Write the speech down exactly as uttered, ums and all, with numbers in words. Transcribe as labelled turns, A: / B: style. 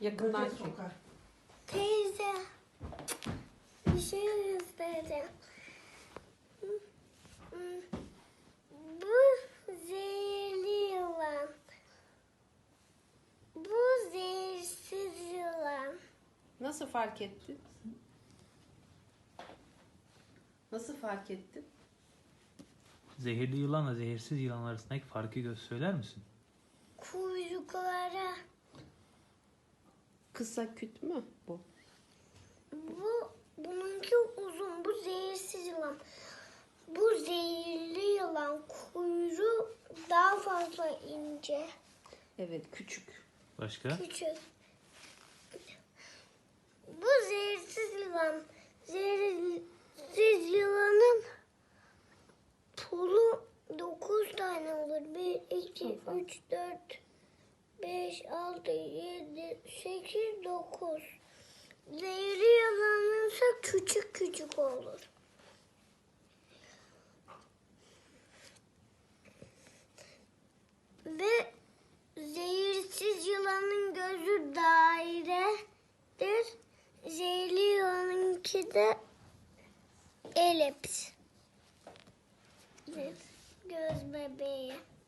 A: Yakından
B: Göze
A: çek.
B: sokar.
C: Teyze. Bir şey göstereceğim. Bu zehirli yılan. Bu zehirsiz yılan.
A: Nasıl fark ettin? Nasıl fark ettin?
D: Zehirli yılanla zehirsiz yılan arasındaki farkı göz söyler misin?
C: Kuyrukları.
A: Kısa küt mü bu?
C: Bu bununki uzun. Bu zehirsiz yılan. Bu zehirli yılan kuyruğu daha fazla ince.
A: Evet, küçük.
D: Başka?
C: Küçük. Bu zehirsiz yılan. Zehirsiz yılanın pulu dokuz tane olur. Bir, iki,
A: Çok
C: üç, dört, beş, altı, yedi, sekiz, dokuz. Zehirli yılanın ise küçük küçük olur. Ve zehirsiz yılanın gözü dairedir. Zehirli yılanınki de elips. Göz bebeği.